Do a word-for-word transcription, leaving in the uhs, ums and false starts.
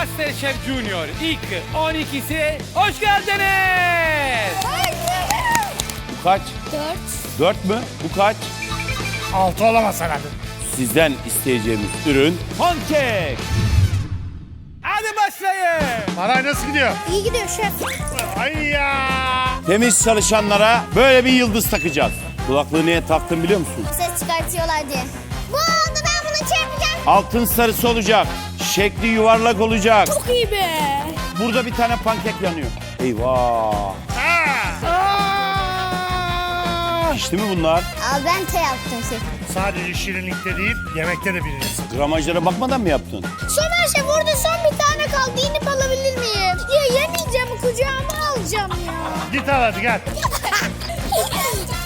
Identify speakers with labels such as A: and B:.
A: MasterChef Junior ilk on ikisi hoş geldiniz.
B: Bu kaç?
C: Dört.
B: Dört mü? Bu kaç?
D: Altı olamaz herhalde.
B: Sizden isteyeceğimiz ürün pankek.
A: Hadi başlayın.
D: Maray nasıl gidiyor?
C: İyi gidiyor şef.
D: Ay ya.
B: Temiz çalışanlara böyle bir yıldız takacağız. Kulaklığı niye taktın biliyor musun?
C: Ses çıkartıyorlar diye. Bu oldu, ben bunu çarpacağım.
B: Altın sarısı olacak. Şekli yuvarlak olacak.
C: Çok iyi be.
B: Burada bir tane pankek yanıyor. Eyvah. Pişti mi bunlar?
C: Al ben te yaptım şef.
D: Sadece şirinlikte değil, yemekte de birincisi.
B: Gramajlara bakmadan mı yaptın?
C: Somer şef, orada son bir tane kaldı. İnip alabilir miyim? Ya yemeyeceğim, kucağıma alacağım ya.
D: Git al hadi gel.